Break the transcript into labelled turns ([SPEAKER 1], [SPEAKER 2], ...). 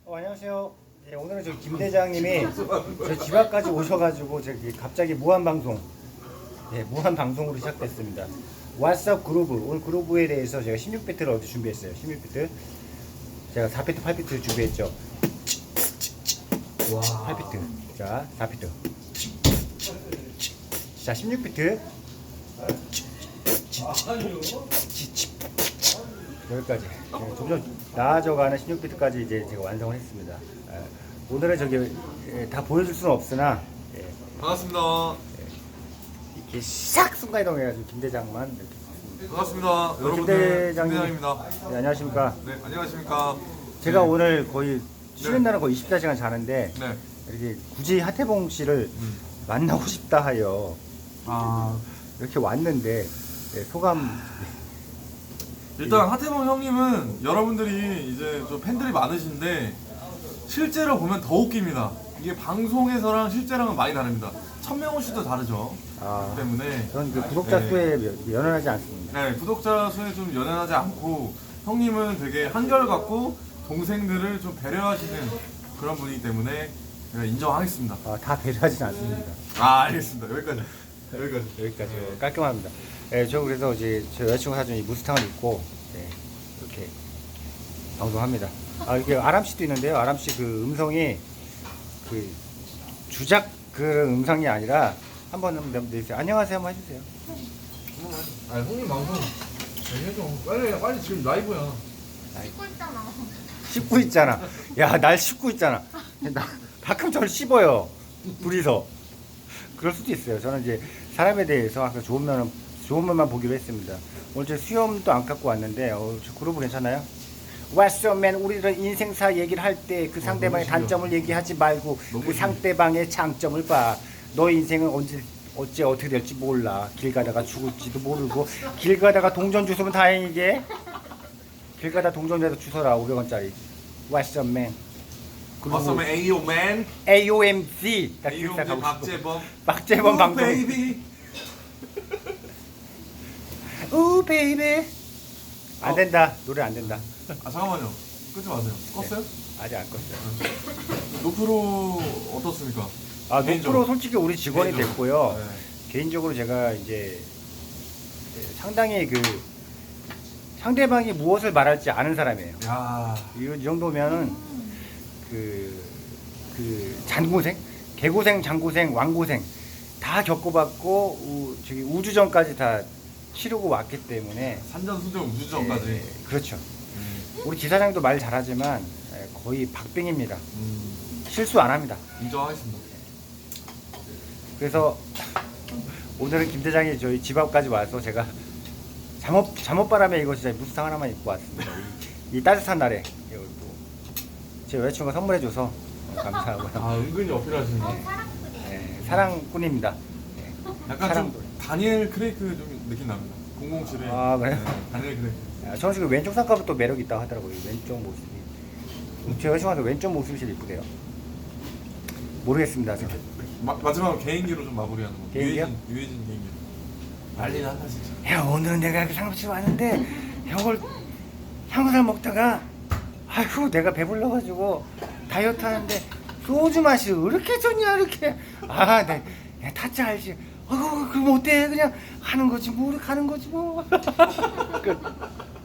[SPEAKER 1] 안녕하세요. 예, 오늘은 저 김 대장님이 저 집 앞까지 오셔가지고 저기 갑자기 무한 방송, 무한 방송으로 시작됐습니다. 왓썹 그루브, 오늘 그루브에 대해서 제가 16비트를 어제 준비했어요. 16비트. 제가 4비트, 8비트 준비했죠.
[SPEAKER 2] 와.
[SPEAKER 1] 8비트. 자, 4비트. 자, 16비트. 여기까지. 점점 나아져가는 16비트까지 이제 제가 완성을 했습니다. 오늘은 저기 다 보여줄 수는 없으나
[SPEAKER 2] 반갑습니다.
[SPEAKER 1] 이렇게 싹 순간이동해가지고 김 대장만 이렇게
[SPEAKER 2] 반갑습니다.
[SPEAKER 1] 김
[SPEAKER 2] 여러분들
[SPEAKER 1] 대장님.
[SPEAKER 2] 김대장입니다.
[SPEAKER 1] 네, 안녕하십니까.
[SPEAKER 2] 네, 안녕하십니까.
[SPEAKER 1] 제가
[SPEAKER 2] 네.
[SPEAKER 1] 오늘 거의 쉬는 날은 거의 24시간 자는데
[SPEAKER 2] 네.
[SPEAKER 1] 이렇게 굳이 하태봉 씨를 만나고 싶다 하여 이렇게 왔는데 소감.
[SPEAKER 2] 일단 하태봉 형님은 여러분들이 이제 좀 팬들이 많으신데 실제로 보면 더 웃깁니다. 이게 방송에서랑 실제랑은 많이 다릅니다. 천명호 씨도 다르죠. 그렇기 때문에
[SPEAKER 1] 저는 그 구독자
[SPEAKER 2] 네.
[SPEAKER 1] 수에 연연하지 않습니다.
[SPEAKER 2] 네, 구독자 수에 좀 연연하지 않고 형님은 되게 한결같고 동생들을 좀 배려하시는 그런 분이기 때문에 제가 인정하겠습니다.
[SPEAKER 1] 다 배려하진 않습니다.
[SPEAKER 2] 알겠습니다. 여기까지.
[SPEAKER 1] 여기까지 깔끔합니다. 저 그래서 이제 저 여자친구 사준 이 무스탕을 입고 이렇게 방송합니다. 이게 아람 씨도 있는데요. 아람 씨 그 음성이 그 주작 그런 음성이 아니라 한번 내주세요. 안녕하세요 한번 해주세요.
[SPEAKER 2] 아니 형님 방송 잘 해줘. 빨리 지금 라이브야.
[SPEAKER 1] 씹고 있잖아. 야, 날 씹고 있잖아. 가끔 저를 씹어요. 둘이서. 그럴 수도 있어요. 저는 이제 사람에 대해서 항상 좋은 면만 보기로 했습니다. 오늘 제 수염도 안 깎고 왔는데, 저 그루브 괜찮아요? What's up, man? 우리는 인생사 얘기를 할 때 그 상대방의 단점을 얘기하지 말고 그 상대방의 장점을 봐. 너 인생은 어째 어떻게 될지 몰라. 길 가다가 죽을지도 모르고 길 가다가 동전 주소면 다행이게. 길 가다 동전에다 주소라 500원짜리. What's up, man?
[SPEAKER 2] 어서면 AO맨.
[SPEAKER 1] AOMG. 딱
[SPEAKER 2] AOMG
[SPEAKER 1] 기획사 가고 싶어.
[SPEAKER 2] 박재범.
[SPEAKER 1] 박재범 방송.
[SPEAKER 2] 베이비.
[SPEAKER 1] 오 베이비. 안 된다. 노래 안 된다.
[SPEAKER 2] 잠깐만요. 끄지 마세요. 껐어요?
[SPEAKER 1] 아직 안 껐어요.
[SPEAKER 2] 노프로 어떻습니까?
[SPEAKER 1] 노프로 솔직히 우리 직원이
[SPEAKER 2] 개인적으로.
[SPEAKER 1] 됐고요.
[SPEAKER 2] 네.
[SPEAKER 1] 개인적으로 제가 이제 상당히 그 상대방이 무엇을 말할지 아는 사람이에요.
[SPEAKER 2] 야.
[SPEAKER 1] 이 정도면은 그 잔고생, 개고생, 장고생, 왕고생 다 겪어봤고 저기 우주전까지 다 치르고 왔기 때문에
[SPEAKER 2] 산전수전 우주전까지.
[SPEAKER 1] 그렇죠. 우리 지사장도 말 잘하지만 거의 박빙입니다. 실수 안 합니다.
[SPEAKER 2] 인정하겠습니다.
[SPEAKER 1] 그래서 오늘은 김 대장이 저희 집 앞까지 와서 제가 잠옷바람에 이거 진짜 무스탕 하나만 입고 왔습니다. 이 따뜻한 날에 이거 또 제 여자친구가 선물해줘서 감사하고요.
[SPEAKER 2] 은근히 어필하시네.
[SPEAKER 1] 사랑꾼입니다.
[SPEAKER 2] 약간
[SPEAKER 1] 사랑꾼.
[SPEAKER 2] 좀 다니엘 크레이크 좀 느낌 납니다. 007에.
[SPEAKER 1] 그래요?
[SPEAKER 2] 다니엘 크레이크.
[SPEAKER 1] 저는 지금 왼쪽 쌍꺼풀 또 매력 있다고 하더라고요. 왼쪽 모습이. 제 여자친구한테 왼쪽 모습이 제일 이쁘대요. 모르겠습니다. 지금.
[SPEAKER 2] 마지막으로 개인기로 좀 마무리하는 거.
[SPEAKER 1] 개인기요?
[SPEAKER 2] 유해진 개인기. 난리는 한다 진짜.
[SPEAKER 1] 야, 오늘은 내가 그 상급실 왔는데 형을 향수를 먹다가 아이고 내가 배불러가지고 다이어트 하는데 소주 맛이 왜 이렇게 좋냐 이렇게 내 타짜 알지. 그럼 어때 그냥 하는 거지 뭐 가는 거지 뭐. 끝.